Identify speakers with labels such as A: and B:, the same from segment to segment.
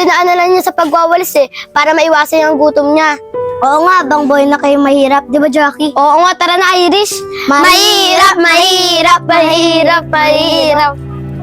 A: dinaanan niya sa pagwawalis para maiwasan yung gutom niya. Oo nga, bang boy na kayo mahirap, di ba Jackie? Oo nga, tara na Irish. Mahirap, mahirap, mahirap, mahirap.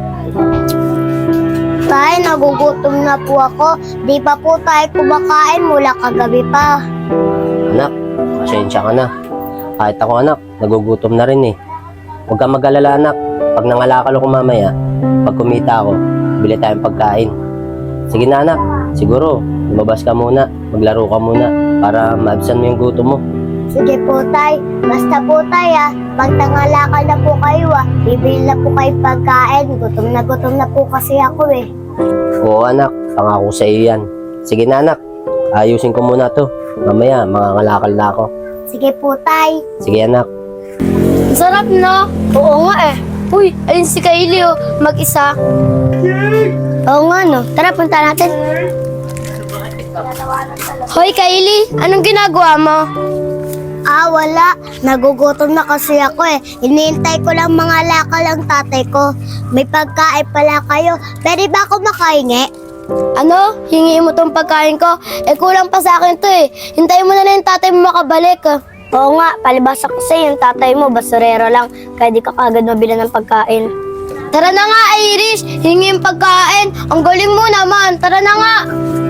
A: Tay, nagugutom na po ako. Di pa po tayo kumakain mula kagabi pa.
B: Anak, pasensya ka na. Kahit ako anak, nagugutom na rin eh. Huwag kang mag-alala anak. Pag nangalakal ako mamaya, pag kumita ako, bili tayong pagkain. Sige na anak, siguro, lumabas ka muna, maglaro ka muna, para maabsan mo yung gutom mo.
A: Sige po tay, basta po tay pag nangalakal na po kayo bibili na po kayo pagkain. Gutom na po kasi ako eh.
B: Oo anak, pangako sa iyo yan. Sige na anak, ayusin ko muna to. Mamaya, mangangalakal na ako.
A: Sige po tay.
B: Sige anak.
A: Sarap no? Oo nga eh. Uy, ayun si Kylie mag-isa. Oo nga no, tara punta natin. Hoy Kylie, anong ginagawa mo? Wala. Nagugutom na kasi ako eh. Iniintay ko lang mga lakal ang tatay ko. May pagkain pala kayo. Pwede ba ako makahingi? Ano? Hingi mo tong pagkain ko? Kulang pa sa akin to eh. Hintayin mo na lang yung tatay mo makabalik. Oo nga, palibasa kasi yung tatay mo basurero lang. Kaya di ka kagad mabila ng pagkain. Tara na nga Irish, hingi yung pagkain. Ang galing mo naman, tara na nga.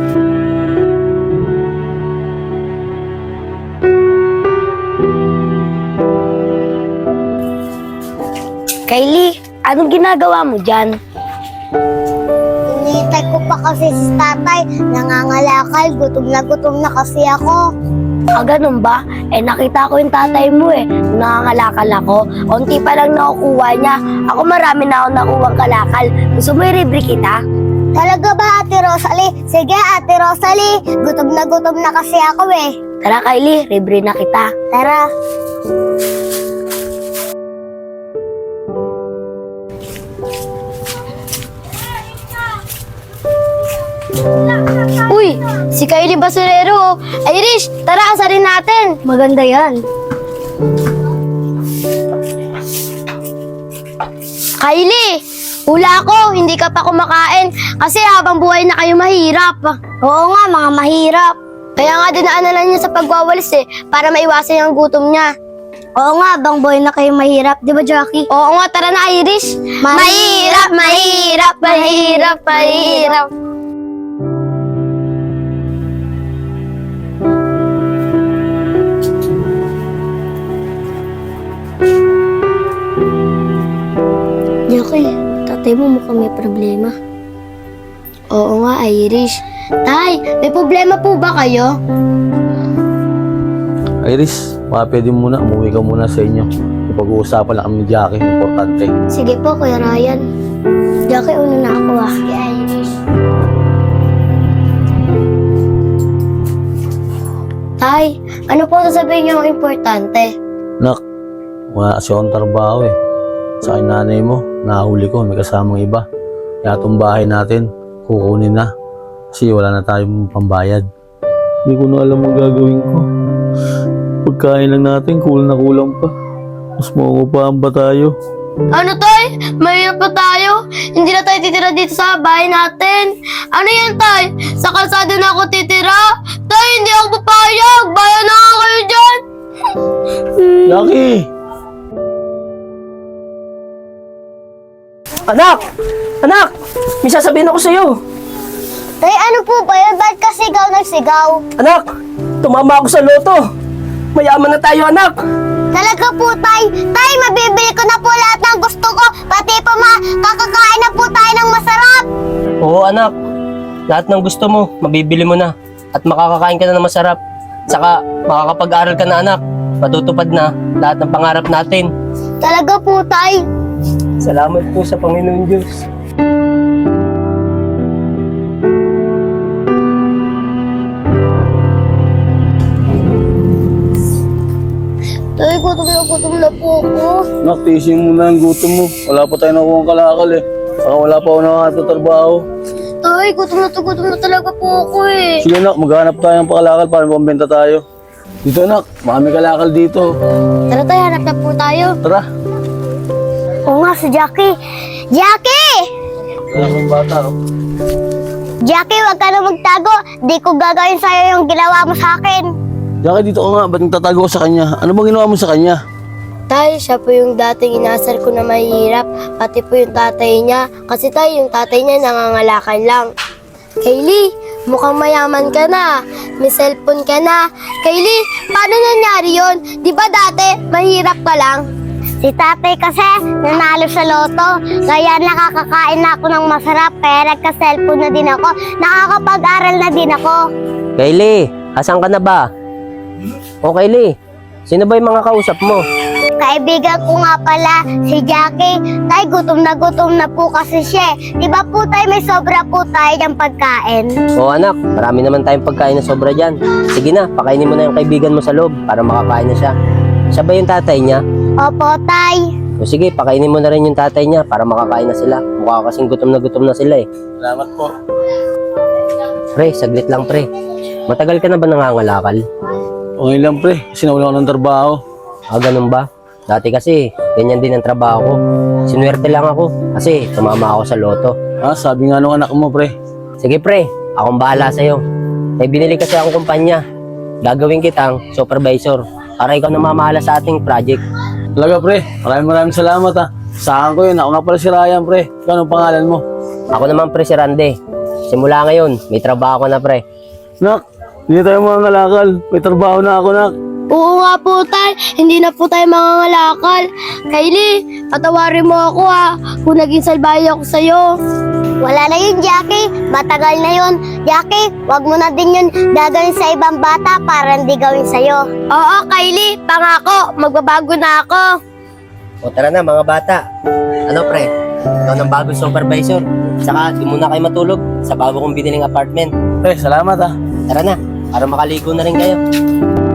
A: Kylie, anong ginagawa mo dyan? Hinihintay ko pa kasi si tatay. Nangangalakal, gutom na kasi ako. Ganun ba? Nakita ko yung tatay mo nangangalakal ako. Unti pa lang nakukuha niya. Ako marami na ako nakuha kalakal. Gusto mo i-libre kita? Talaga ba Ate Rosalie? Sige Ate Rosalie, gutom na kasi ako eh. Tara Kylie, libre na kita. Tara. Uy, si Kylie basurero. Irish, tara asarin natin. Maganda yan. Kylie, hula ko, hindi ka pa kumakain kasi habang buhay na kayo mahirap. Oo nga, mga mahirap. Kaya nga dinaanan niya sa pagwawalis para maiwasan yung gutom niya. Oo nga, bang buhay na kayo mahirap, di ba Jackie? Oo nga, tara na Irish. Mahirap, mahirap, mahirap, mahirap. Jackie, tatay mo mukhang may problema. Oo nga, Irish. Tay, may problema po ba kayo?
C: Iris, baka pwede muna, umuwi ka muna sa inyo. Pag-uusapan lang kami ni Jackie, importante.
A: Sige po, Kuya Ryan. Jackie, una na ako Sige, Irish. Tay, ano po sasabihin niyo ang importante?
C: Nak, wala kasi akong trabaho Sa akin nanay mo, nahuli ko, may kasamang iba. Kaya itong bahay natin, kukunin na. Kasi wala na tayong pambayad. Hindi ko na alam ang gagawin ko. Pagkain lang natin, kulang na kulang pa. Mas maungupahan ba tayo?
A: Ano tay? Mahirap pa tayo? Hindi na tayo titira dito sa bahay natin. Ano yan tay? Sa kalsada na ako titira? Tay, hindi ako papayag. Bayan na nga kayo dyan.
C: Jackie!
D: Anak! Anak! May sasabihin ako sa'yo.
A: Tay, ano po ba yun? Ba't ka sigaw ng sigaw?
D: Anak! Tumama ako sa loto. Mayaman na tayo, anak.
A: Talaga po, Tay. Tay, mabibili ko na po lahat ng gusto ko. Pati po kakakain na po tayo ng masarap.
B: Oo anak, lahat ng gusto mo, mabibili mo na. At makakakain ka na ng masarap. Saka makakapag-aral ka na anak. Matutupad na lahat ng pangarap natin.
A: Talaga po, Tay.
B: Salamat po sa Panginoon Diyos.
A: Tay, gutom na po ako.
C: Nak, tiisin mo na ang gutom mo. Wala pa tayo nakuha ang kalakal Saka wala pa ako nakatatrabaho.
A: Tay, gutom na talaga po ako eh.
C: Sige nak, maghanap tayo ng pakalakal para pambenta tayo. Dito nak, marami kalakal dito.
A: Tara tayo, hanap na po tayo.
C: Tara.
A: Oo nga, si Jackie. Jackie!
C: Wala kang bata.
A: Jackie, wag ka na magtago. Di ko gagawin sa'yo yung ginawa mo sa akin.
C: Jackie, dito ka nga. Ba't nagtatago ka sa kanya? Ano bang ginawa mo sa kanya?
E: Tay, siya po yung dating inasar ko na mahihirap, pati po yung tatay niya. Kasi tay, yung tatay niya nangangalakan lang. Kaylee, mukhang mayaman ka na. May cellphone ka na. Kaylee, paano nangyari yun? Di ba dati, mahirap ka lang?
A: Si tatay kasi nanalo sa loto. Kaya nakakakain na ako ng masarap. Kaya nagka-cellphone na din ako. Nakakapag-aral na din ako.
B: Kaylee, asan ka na ba? O Kaylee, sino ba yung mga kausap mo?
A: Kaibigan ko nga pala, si Jackie. Tay, gutom na po kasi siya. Di ba po tay, may sobra po tayo ng pagkain?
B: O anak, marami naman tayong pagkain na sobra dyan. Sige na, pakainin mo na yung kaibigan mo sa loob para makakain na siya. Siya ba yung tatay niya?
A: Opo, tay.
B: O sige, pakainin mo na rin yung tatay niya para makakain na sila. Mukha kasing gutom na sila eh.
C: Salamat po.
B: Pre, saglit lang pre. Matagal ka na ba nangangalakal?
C: Okay lang, pre. Kasi nawala ko ng trabaho.
B: Ah, ganun ba? Dati kasi, ganyan din ang trabaho ko. Sinuwerte lang ako kasi tumama ako sa loto.
C: Sabi nga nung anak mo, pre.
B: Sige pre, akong bahala sa'yo. May binili kasi akong kumpanya. Gagawin kitang supervisor para ikaw na mamahala sa ating project.
C: Talaga, pre. Maraming salamat, ha. Saan ko yun? Ako nga pala si Ryan, pre. Ikaw, anong pangalan mo?
B: Ako naman pre si Rande. Simula ngayon, may trabaho ko na pre.
C: Nak, hindi tayo mga ngalakal. May trabaho na ako, nak.
E: Oo nga po tay, hindi na po tayo mangangalakal. Kaylee, patawarin mo ako kung naging salbahe ako sa'yo.
A: Wala na yun, Jackie. Matagal na yun. Jackie, wag mo na din yun gagawin sa ibang bata para hindi gawin sa'yo.
E: Oo, Kaylee, pangako, magbabago na ako.
B: O tara na mga bata. Ano pre? Ikaw ng bagong supervisor. Saka di muna kayo matulog sa bago kong biniling apartment.
C: Pre, salamat, ha.
B: Tara na, para makaligo na rin kayo.